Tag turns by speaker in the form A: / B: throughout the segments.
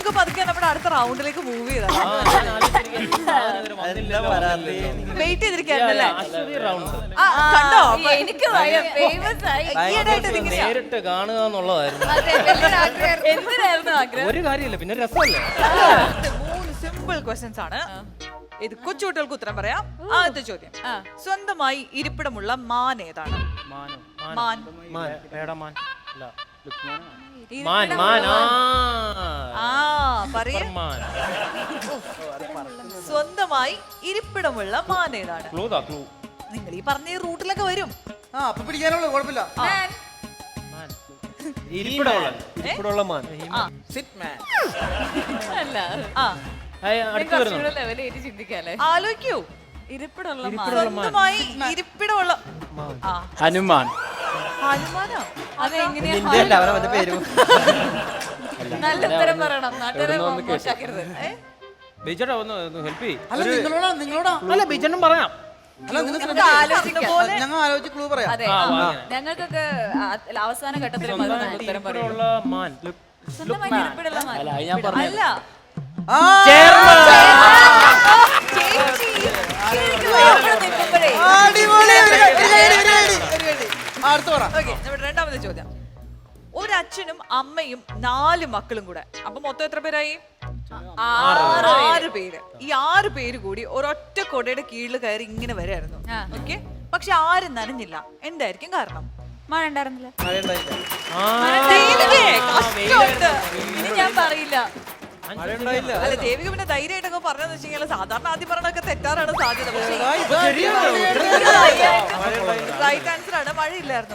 A: നമുക്ക് പതുക്കെ നമ്മുടെ അടുത്ത റൗണ്ടിലേക്ക് മൂവ് ചെയ്താൽ വെയിറ്റ് ചെയ്തിരിക്കായിരുന്നല്ലേ? ആ, കണ്ടോ?
B: എനിക്ക് ഫേമസ് ആയി
C: നേരിട്ട് കാണുക എന്നുള്ളതായിരുന്നു.
B: എന്തിനായിരുന്നു ആഗ്രഹം?
C: ഒരു കാര്യമില്ല, പിന്നെ രസമല്ലേ.
A: 3 സിമ്പിൾ ക്വസ്റ്റ്യൻസ് ആണ്. ഇത് കൊച്ചുകുട്ടികൾക്ക് ഉത്തരം പറയാം. ആദ്യത്തെ ചോദ്യം, സ്വന്തമായി ഇരിപ്പിടമുള്ള മാൻ ഏതാണ്? മാൻ. പറയൂ. സ്വന്തമായി ഇരിപ്പിടമുള്ള മാൻ ഏതാണ്? നിങ്ങൾ ഈ പറഞ്ഞ റൂട്ടിലൊക്കെ വരും.
D: അപ്പൊ പിടിക്കാനുള്ള കുഴപ്പമില്ല.
C: ഇരിപ്പിടമുള്ള മാൻ.
B: അല്ല ലെവലേറ്റ് ചിന്തിക്കാല്ലേ.
A: ആലോചിക്കൂ.
B: ഇരിപ്പിടുള്ള
A: സ്വന്തമായി ഇരിപ്പിടമുള്ള
C: ഹനുമാൻ.
A: ഹനുമാനോ?
B: അതെങ്ങനെയാ? നല്ല ഉത്തരം പറയണം, നാട്ടുകാരെ മോശമാക്കരുത്.
C: ബിജേട്ടാ ഒന്ന് ഹെൽപ്പ് ചെയ്യ്.
D: അല്ല നിങ്ങളോടാ
C: അല്ല ബിജേട്ടനും പറയാം.
D: അല്ല നിങ്ങൾ ഞങ്ങൾ ആലോചിച്ച് ക്ലൂ പറയാം.
B: അതെ, ഞങ്ങൾക്കൊക്കെ അവസാന ഘട്ടത്തിൽ ഉത്തരം പറയും.
C: മാൻ.
B: സ്വന്തമായി ഇരിപ്പിടുള്ള മാൻ.
A: അല്ല. നമ്മുടെ രണ്ടാമത്തെ ചോദ്യം, ഒരു അച്ഛനും അമ്മയും 4 മക്കളും കൂടെ, അപ്പൊ മൊത്തം എത്ര പേരായി? 6 പേര്. ഈ 6 പേര് കൂടി ഒരൊറ്റ കൊടയുടെ കീഴിൽ കയറി ഇങ്ങനെ വരായിരുന്നു. ഓക്കെ, പക്ഷെ ആരും നനഞ്ഞില്ല. എന്തായിരിക്കും കാരണം?
B: മഴ ഉണ്ടായിരുന്നില്ല.
A: ഇനി ഞാൻ പറയില്ല. അല്ല ദേവിക പിന്നെ ധൈര്യമായിട്ടൊക്കെ പറഞ്ഞെന്ന് വെച്ച് കഴിഞ്ഞാൽ സാധാരണ ആദ്യം പറഞ്ഞൊക്കെ തെറ്റാറാണ് സാധ്യത. റൈറ്റ് ആൻസർ ആണ്. മഴയില്ലായിരുന്നു.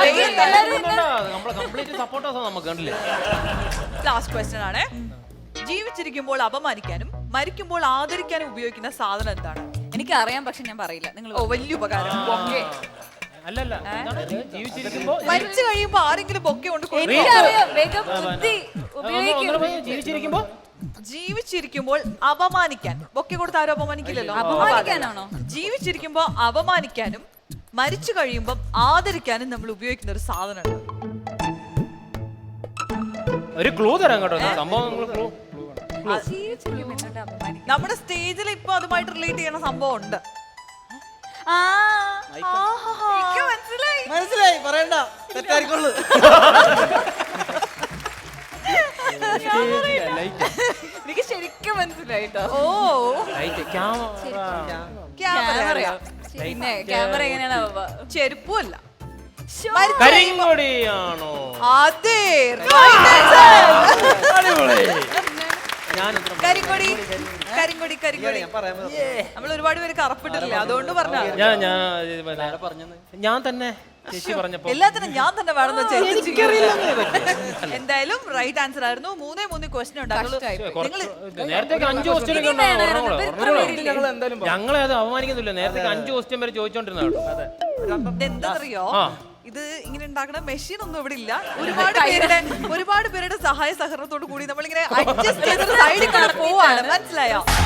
A: ലാസ്റ്റ് ക്വസ്റ്റ്യൻ ആണ്. ജീവിച്ചിരിക്കുമ്പോൾ അപമാനിക്കാനും മരിക്കുമ്പോൾ ആദരിക്കാനും ഉപയോഗിക്കുന്ന സാധനം എന്താണ്?
B: എനിക്കറിയാം, പക്ഷെ ഞാൻ പറയില്ല. നിങ്ങൾ
A: വലിയ ഉപകാരം.
C: മരിച്ചു
A: കഴിയുമ്പോ ആരെങ്കിലും ബൊക്കെ കൊണ്ട് ജീവിച്ചിരിക്കുമ്പോൾ അപമാനിക്കാൻ ബൊക്കെ കൊടുത്ത് ആരും അപമാനിക്കില്ലല്ലോ.
B: അപമാനിക്കാനാണോ?
A: ജീവിച്ചിരിക്കുമ്പോ അപമാനിക്കാനും മരിച്ചു കഴിയുമ്പോൾ ആദരിക്കാനും നമ്മൾ ഉപയോഗിക്കുന്ന ഒരു സാധനമാണ്.
C: ഒരു ക്ലൂ തരാം കേട്ടോ. സംഭവം
A: നമ്മുടെ സ്റ്റേജിൽ ഇപ്പൊ അതുമായിട്ട് റിലേറ്റ് ചെയ്യുന്ന സംഭവം ഉണ്ട്.
D: മനസ്സിലായി, പറയണ്ട, തെറ്റായിരിക്കുള്ളൂ.
B: എനിക്ക് ശരിക്കും മനസ്സിലായിട്ടോ.
A: ഓ,
B: പിന്നെ ക്യാമറ എങ്ങനെയാണ്?
A: ചെരുപ്പല്ല.
C: കരിങ്കൊടിയാണോ?
A: അതെ, കരിങ്കൊടി. കരിങ്കൊടി കരിങ്കൊടി. നമ്മൾ ഒരുപാട് പേര് കറപ്പിട്ടില്ല, അതുകൊണ്ട് പറഞ്ഞ
C: ഞാൻ തന്നെ ചേച്ചി പറഞ്ഞപ്പോ
A: എല്ലാത്തിനും ഞാൻ തന്നെ വേണമെന്ന് വെച്ചാൽ എന്തായാലും റൈറ്റ് ആൻസർ ആയിരുന്നു. 3 ക്വസ്റ്റ്യൻ ഉണ്ടായിരുന്നു.
C: നേരത്തെ 5 ക്വസ്റ്റ്യൻ ഞങ്ങളെ അത് അവമാനിക്കുന്നില്ല. നേരത്തെ 5 ക്വസ്റ്റ്യൻ വരെ ചോദിച്ചോണ്ടിരുന്ന കേട്ടോ.
A: എന്താണെന്നറിയോ, ഇത് ഇങ്ങനെ ഉണ്ടാക്കുന്ന മെഷീൻ ഒന്നും ഇവിടെ ഇല്ല. ഒരുപാട് പേരുടെ സഹായ സഹകരണത്തോട് കൂടി നമ്മളിങ്ങനെ അഡ്ജസ്റ്റ് ചെയ്ത് സൈഡിൽ പോവാണ്. മനസ്സിലായോ?